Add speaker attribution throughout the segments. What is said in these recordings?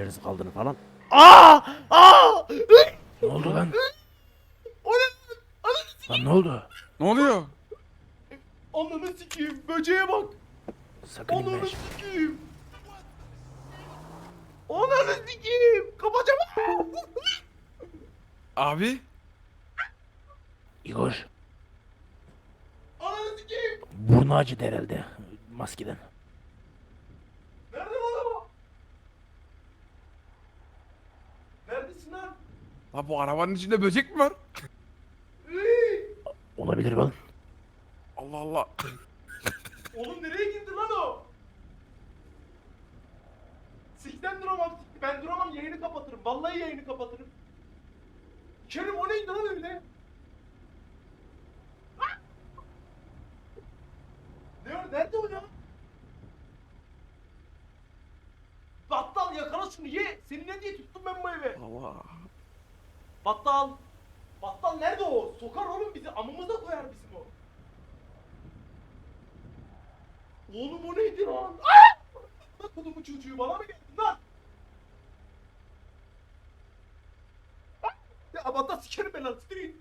Speaker 1: ellerinizi kaldırın falan.
Speaker 2: Aa! Aa!
Speaker 1: Ne oldu lan?
Speaker 2: O ne? Ananı
Speaker 1: Lan
Speaker 2: sikeyim.
Speaker 1: ne oldu?
Speaker 3: Ne oluyor?
Speaker 2: Ananı sikeyim. Böceğe bak.
Speaker 1: Sakın inme.
Speaker 2: Ananı sikeyim. Ananı sikeyim. Kapacağım.
Speaker 3: Abi.
Speaker 1: Igor,
Speaker 2: Ananı sikeyim.
Speaker 1: burnu acıdı herhalde maskeden.
Speaker 2: Nerede bu adam? Neredesin lan?
Speaker 3: La bu arabanın içinde böcek mi var?
Speaker 2: Iy!
Speaker 1: Olabilir lan.
Speaker 3: Allah Allah.
Speaker 2: Oğlum nereye girdi lan o? Sikten duramam. Ben duramam, yayını kapatırım. Vallahi yayını kapatırım. Kerim o neydi lan öyle? Ah! Ne o? Nerede o ya? Battal yakala şunu ye. Seni ne diye tuttum ben bu eve?
Speaker 3: Allah.
Speaker 2: Battal. Battal nerede o? Sokar oğlum bizi. Amımıza koyar bizim o. Oğlum o neydi lan? Aa! Bak kodumu çocuğu bana mı geldin lan? Ah! Ya Battal sikerim ben lan. Sikerim.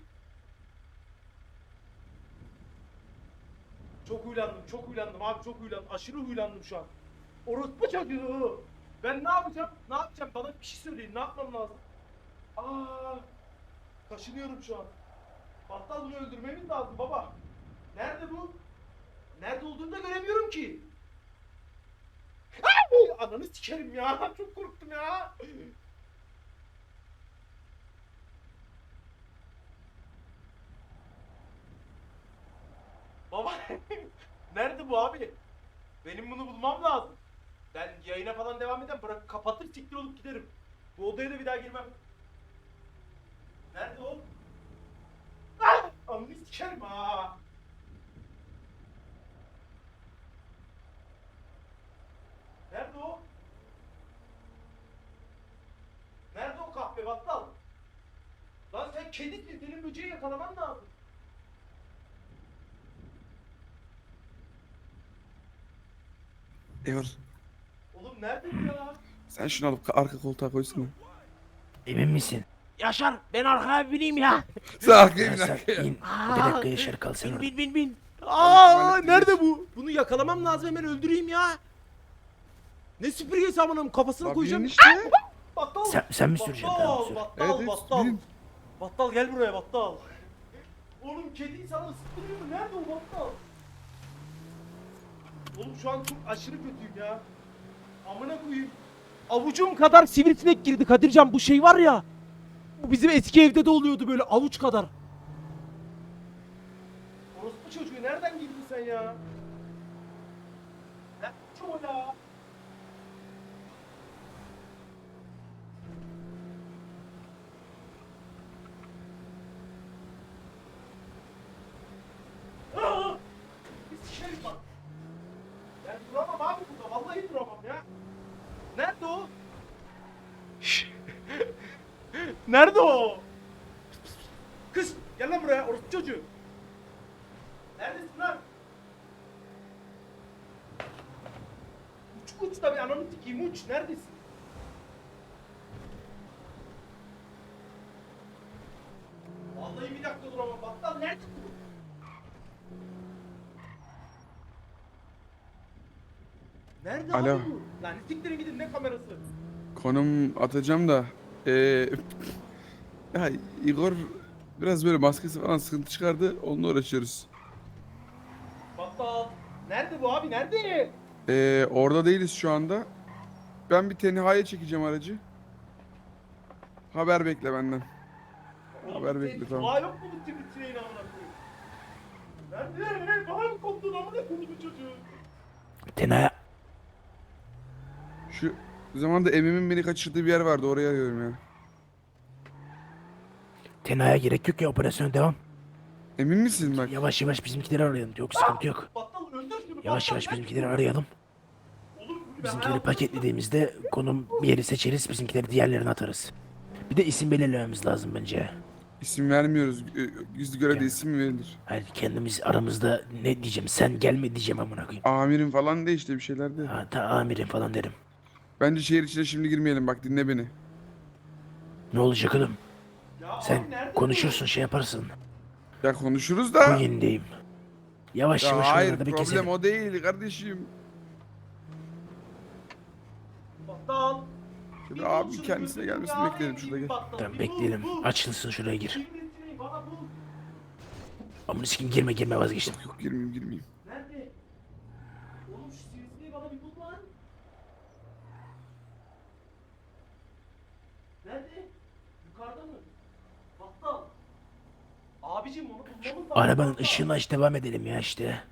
Speaker 2: Çok huylandım abi, çok huylandım. Aşırı huylandım şu an. Orospu çocuğu. Ben ne yapacağım? Ne yapacağım? Bana bir şey söyleyin. Ne yapmam lazım? Aa! Kaşınıyorum şu an. Battal bunu öldürmemiz lazım baba. Nerede bu? Nerede olduğunu da göremiyorum ki. Ay! Ananı sikerim ya. Çok korktum ya. Baba nerede bu abi? Benim bunu bulmam lazım. Ben yayına falan devam eden bırak kapatır siktir olup giderim. Bu odaya da bir daha girmem. Nerede o? Ah! Ananı sikerim ha. Nerede o? Nerede o kahpe battal? Lan sen kedisin, senin böceği yakalaman lazım.
Speaker 3: Eyvallah.
Speaker 2: Oğlum nerede bu ya?
Speaker 3: Sen şunu alıp arka koltuğa koysana.
Speaker 1: Emin misin?
Speaker 2: Yaşar, ben arkaya bineyim ya.
Speaker 3: Sen arkaya
Speaker 1: Ya
Speaker 3: bin
Speaker 1: sen
Speaker 3: arkaya.
Speaker 1: in. Bir dakika Yaşar kal sen
Speaker 2: Bin
Speaker 1: orada.
Speaker 2: bin bin bin.
Speaker 3: Tuvalet
Speaker 2: Nerede
Speaker 3: bilir.
Speaker 2: bu? Bunu yakalamam lazım, hemen öldüreyim ya. Ne süpürgesi amınım, kafasına
Speaker 3: Lan
Speaker 2: koyacağım.
Speaker 3: bin işte.
Speaker 2: Battal.
Speaker 1: Sen mi süreceksin? Tamam sür.
Speaker 2: Battal,
Speaker 3: Evet,
Speaker 2: battal.
Speaker 3: bin.
Speaker 2: Battal gel buraya battal. Oğlum kediyi sana ısıttırıyor mu? Nerede o battal? Oğlum şu an çok aşırı kötüyüm ya. Amına koyayım. Avucum kadar sivrisinek girdi Kadircan, bu şey var ya. Bu bizim eski evde de oluyordu böyle avuç kadar. Orospu çocuğu nereden girdin sen ya? Ne o ya? Aa! Bir sikerim bak. Ben duramam abi burada. Vallahi duramam ya. Nerede o? Nerede o? Kız gel lan buraya orospu çocuğu. Neredesin lan? Uç da bir ananı sikeyim uç. Neredesin? Vallahi bir dakika duramam. Battal nerede bu? Nerede
Speaker 3: Alo.
Speaker 2: abi bu? Lan siktirin gidin, ne kamerası?
Speaker 3: Konum atacağım da. Ya Igor biraz böyle maskesi falan sıkıntı çıkardı. Onunla uğraşıyoruz.
Speaker 2: Battal. Nerede bu abi? Nerede?
Speaker 3: Orada değiliz şu anda. Ben bir tenhaya çekeceğim aracı. Haber bekle benden. Haber bekle, tamam.
Speaker 2: Kulağı yok mu bu sivrisineğin amına koyayım? Nerede? Bana mı koptun amına koyayım bu çocuğu?
Speaker 1: Tenaya.
Speaker 3: Şu zamanda Emim'in beni kaçırdığı bir yer vardı, oraya arıyorum ya.
Speaker 1: Tenaya gerek yok ya, operasyona devam.
Speaker 3: Emin misin bak?
Speaker 1: Yavaş yavaş bizimkileri arayalım. Yok sıkıntı yok.
Speaker 2: Battal öldür şunu.
Speaker 1: Yavaş
Speaker 2: Battal,
Speaker 1: yavaş
Speaker 2: nerede
Speaker 1: bizimkileri
Speaker 2: bu?
Speaker 1: arayalım.
Speaker 2: Oğlum, ben
Speaker 1: Bizimkileri
Speaker 2: hayatımda-
Speaker 1: paketlediğimizde konum bir yeri seçeriz. Bizimkileri diğerlerine atarız. Bir de isim belirlememiz lazım bence.
Speaker 3: İsim vermiyoruz. Yüzlü göre de
Speaker 1: Yani.
Speaker 3: isim mi verilir?
Speaker 1: Hani kendimiz aramızda ne diyeceğim? Sen gelme diyeceğim amına koyayım.
Speaker 3: Amirim falan de işte bir şeyler de.
Speaker 1: Ha, ta amirim falan derim.
Speaker 3: Bence şehir içine şimdi girmeyelim, bak dinle beni.
Speaker 1: Ne olacak oğlum?
Speaker 2: Ya abi
Speaker 1: Sen
Speaker 2: nerede
Speaker 1: konuşursun şey yaparsın.
Speaker 3: Ya konuşuruz
Speaker 1: Bu
Speaker 3: da.
Speaker 1: yerindeyim. Yavaş
Speaker 3: Ya
Speaker 1: yavaş
Speaker 3: hayır,
Speaker 1: oralarda bir
Speaker 3: problem
Speaker 1: keselim.
Speaker 3: o değil kardeşim.
Speaker 2: bu? Battal.
Speaker 3: Şöyle
Speaker 2: Bir bul
Speaker 3: abi
Speaker 2: şunu,
Speaker 3: kendisine
Speaker 2: gözünü
Speaker 3: gelmesini
Speaker 2: ya,
Speaker 3: bekleyelim
Speaker 2: en
Speaker 3: şurada,
Speaker 2: iyi
Speaker 3: gel.
Speaker 2: battal.
Speaker 1: Tamam
Speaker 2: Bir
Speaker 1: bekleyelim.
Speaker 2: bul.
Speaker 1: Açılsın şuraya gir.
Speaker 2: Birini bana bul.
Speaker 1: Amına sikim girme vazgeçtim.
Speaker 3: Yok girmeyeyim.
Speaker 2: Nerede? Oğlum şu sivrisineği bana bir bul lan. Nerede? Yukarıda mı? Battal. Abicim onu bulmamız lazım.
Speaker 1: Arabanın
Speaker 2: Battal.
Speaker 1: ışığını aç devam edelim ya işte.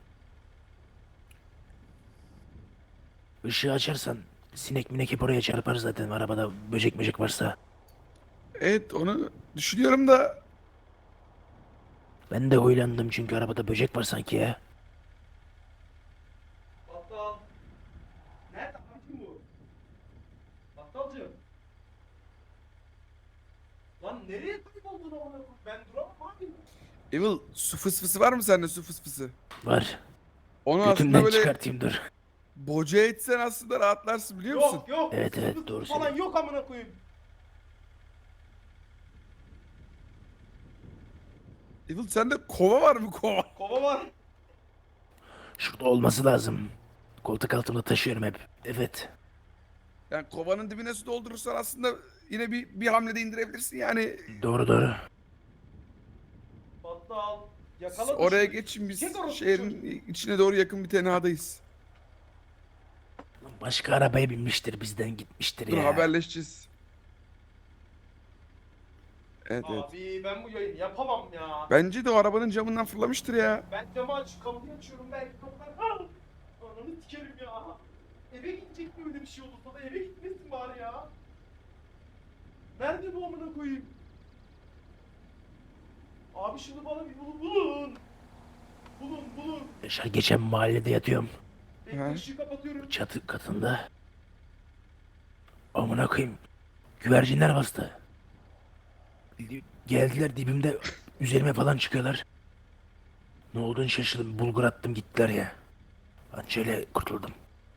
Speaker 1: Işığı açarsan sinek minek hep oraya çarpar zaten arabada böcek varsa.
Speaker 3: Evet, onu düşünüyorum da.
Speaker 1: Ben de huylandım çünkü arabada böcek var sanki ya.
Speaker 2: Battal. Nerede abicim bu? Battalcığım. Lan nereye kayboldun amına koyayım? Ben duramam abi.
Speaker 3: Evil, su fısfısı var mı sende, su fısfısı?
Speaker 1: Var.
Speaker 3: Onu aslında
Speaker 1: Götümden
Speaker 3: böyle
Speaker 1: çıkartayım dur.
Speaker 3: boca etsen aslında rahatlarsın, biliyor musun?
Speaker 2: Yok yok.
Speaker 1: Evet, evet,
Speaker 2: Sıkıntı
Speaker 1: doğru
Speaker 2: falan
Speaker 1: söylüyorsun.
Speaker 2: yok amına koyayım.
Speaker 3: Evil, sende kova var mı, kova?
Speaker 2: Kova var.
Speaker 1: Şurada olması lazım. Koltuk altımda taşıyorum hep. Evet.
Speaker 3: Yani kovanın dibine su doldurursan aslında yine bir hamlede indirebilirsin yani.
Speaker 1: Doğru.
Speaker 2: Battal. Yakala
Speaker 3: Oraya
Speaker 2: şunu.
Speaker 3: geçin, biz
Speaker 2: Çek orası
Speaker 3: şehrin içine doğru yakın bir tenhadayız.
Speaker 1: Başka arabaya binmiştir bizden gitmiştir
Speaker 3: Dur,
Speaker 1: ya.
Speaker 3: haberleşeceğiz. Evet.
Speaker 2: Abi ben bu yayını yapamam ya.
Speaker 3: Bence de o arabanın camından fırlamıştır ya.
Speaker 2: Ben camı kapıyı açıyorum belki kapılar. Ah! Ananı sikerim ya. Eve gidecek mi öyle bir şey olursa da eve gitmesin bari ya. Nerede bu amına koyayım? Abi şunu bana bir bulun. Bulun.
Speaker 1: Yaşar geçen mahallede yatıyorum.
Speaker 2: Bekle
Speaker 3: He.
Speaker 2: ışığı kapatıyorum.
Speaker 1: Çatı katında. Amına koyayım. Güvercinler bastı. Geldiler dibimde üzerime falan çıkıyorlar. Ne olduğunu şaşırdım. Bulgur attım gittiler ya. Anca kurtuldum.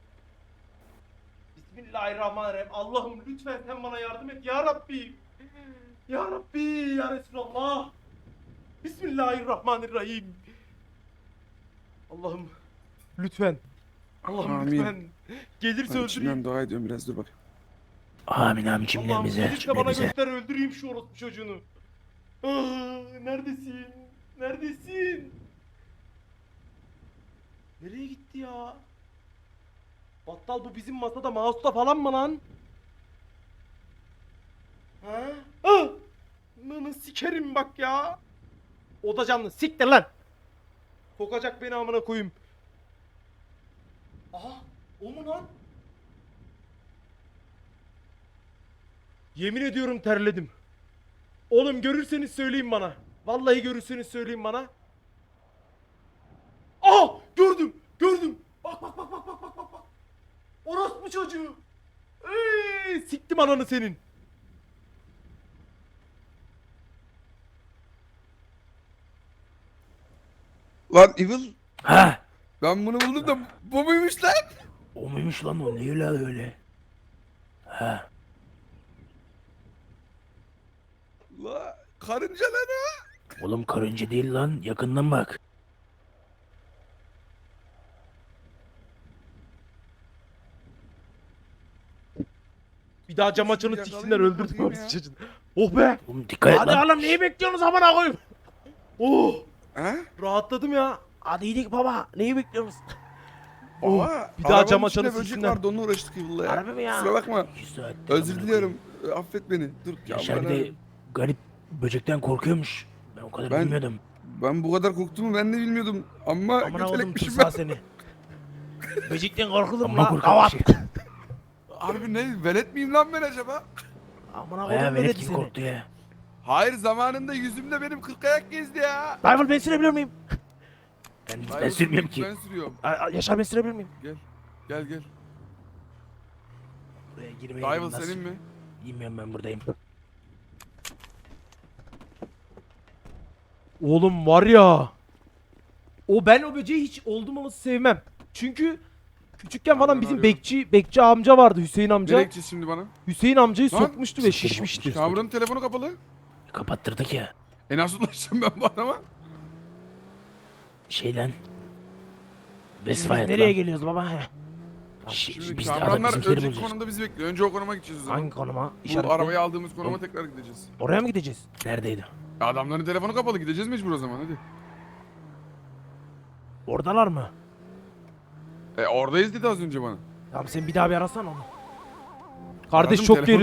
Speaker 2: Bismillahirrahmanirrahim. Allah'ım lütfen sen bana yardım et ya Rabbi. Ya Rabbi ya Resulallah. Bismillahirrahmanirrahim. Allah'ım lütfen. Allah'ım
Speaker 3: Amin.
Speaker 2: lütfen. Gelirse
Speaker 3: Ben
Speaker 2: öldüreyim.
Speaker 3: içimden dua ediyorum, biraz dur bak.
Speaker 1: Amin
Speaker 2: Allah'ım
Speaker 1: cümlemize.
Speaker 2: gelirse bana
Speaker 1: Cümlemize.
Speaker 2: göster öldüreyim şu orospu çocuğunu. Ah, neredesin? Neredesin? Nereye gitti ya? Battal bu bizim masada mouse'da falan mı lan? Ha? Ah! Nını sikerim bak ya. O da canlı. Siktir lan. Kokacak beni amına koyayım. Aha, o mu lan? Yemin ediyorum terledim. Oğlum görürseniz söyleyin bana. Vallahi görürseniz söyleyin bana. Aa, gördüm. Bak. Orospu çocuğu. Siktim ananı senin.
Speaker 3: Lan Evil,
Speaker 1: Ha!
Speaker 3: ben bunu buldum da bu muymuş lan?
Speaker 1: O muymuş lan o? Ne öyle? Ha!
Speaker 3: La karınca lan o.
Speaker 1: Oğlum karınca değil lan. Yakından bak.
Speaker 2: Bir daha cam
Speaker 3: Şunu
Speaker 2: açanı
Speaker 3: yakalayayım
Speaker 2: siksinler
Speaker 3: mı
Speaker 2: öldürdüm
Speaker 3: bakayım
Speaker 2: orospu
Speaker 3: ya?
Speaker 2: çocuğunu. Oh be.
Speaker 1: Oğlum dikkat et
Speaker 2: Hadi
Speaker 1: lan.
Speaker 2: oğlum neyi bekliyorsunuz amına koyayım? Oh,
Speaker 3: Ha?
Speaker 2: rahatladım ya. Hadi gidelim baba. Neyi bekliyorsunuz?
Speaker 3: Baba,
Speaker 2: bir daha
Speaker 3: arabanın
Speaker 2: cam
Speaker 3: içinde
Speaker 2: açanı
Speaker 3: böcek
Speaker 2: siksinler.
Speaker 3: vardı, onunla uğraştık Evil'la ya.
Speaker 2: Harbi mi ya?
Speaker 3: Kusura bakma.
Speaker 1: 2 saattir
Speaker 3: Özür
Speaker 1: amına
Speaker 3: diliyorum. Affet beni. Dur.
Speaker 1: Yaşar bir
Speaker 3: bana-
Speaker 1: de garip böcekten korkuyormuş. Ben o kadar
Speaker 3: Ben-
Speaker 1: bilmiyordum.
Speaker 3: Ben bu kadar korktuğumu ben de bilmiyordum. Ama
Speaker 2: Amına oğlum
Speaker 3: götelekmişim
Speaker 2: tutsa
Speaker 3: ben.
Speaker 2: seni. Böcekten korkulur mu
Speaker 1: Amma
Speaker 2: lan?
Speaker 1: korkak
Speaker 2: Kavat.
Speaker 1: bir şey.
Speaker 3: Harbi ne? Velet miyim lan ben acaba?
Speaker 2: Amına
Speaker 1: Bayağı
Speaker 2: koydum
Speaker 1: velet
Speaker 2: velet
Speaker 1: gibi
Speaker 2: seni.
Speaker 1: korktu ya.
Speaker 3: Hayır, zamanında yüzümde benim 40 ayak gezdi ya.
Speaker 2: Rival ben sürebilir miyim?
Speaker 1: Ben
Speaker 3: Hayır,
Speaker 1: sürmüyorum ki.
Speaker 3: Ben sürüyorum.
Speaker 2: Yaşar ben sürebilir miyim?
Speaker 3: Gel.
Speaker 1: Buraya girmeye
Speaker 3: Rival
Speaker 1: nasıl-
Speaker 3: senin mi?
Speaker 1: Bilmiyorum ben buradayım.
Speaker 2: Oğlum var ya. Ben o böceği hiç oldum olası sevmem. Çünkü
Speaker 4: Küçükken falan
Speaker 3: Nereden
Speaker 4: bizim
Speaker 3: arıyorum?
Speaker 4: bekçi amca vardı, Hüseyin
Speaker 3: Nereye
Speaker 4: amca.
Speaker 3: gideceğiz şimdi bana?
Speaker 4: Hüseyin amcayı
Speaker 3: Lan,
Speaker 4: sokmuştu ve
Speaker 1: siktir
Speaker 4: şişmişti.
Speaker 3: Kamuranın telefonu kapalı.
Speaker 1: Kapattırdık ya.
Speaker 3: Nasıl ulaşacağım ben bu adama?
Speaker 1: Şeyden.
Speaker 4: Biz
Speaker 1: Westfire'dan.
Speaker 4: nereye geliyoruz baba? Heh.
Speaker 3: Şimdi
Speaker 1: Biz de adam
Speaker 3: Kamuranlar
Speaker 1: bizimkileri
Speaker 3: önceki
Speaker 1: bulacağız.
Speaker 3: konumda bizi bekliyor. Önce o konuma gideceğiz o zaman.
Speaker 4: Hangi konuma?
Speaker 3: Bu
Speaker 4: İşaretle.
Speaker 3: arabayı aldığımız konuma tekrar gideceğiz.
Speaker 4: Oraya mı gideceğiz?
Speaker 1: Neredeydi?
Speaker 3: Adamların telefonu kapalı, gideceğiz mecbur o zaman hadi.
Speaker 4: Oradalar mı?
Speaker 3: Oradayız dedi az önce bana.
Speaker 4: Tamam sen bir daha bir arasana onu. Kardeş
Speaker 3: Aradım,
Speaker 4: çok
Speaker 3: telefonu
Speaker 4: geri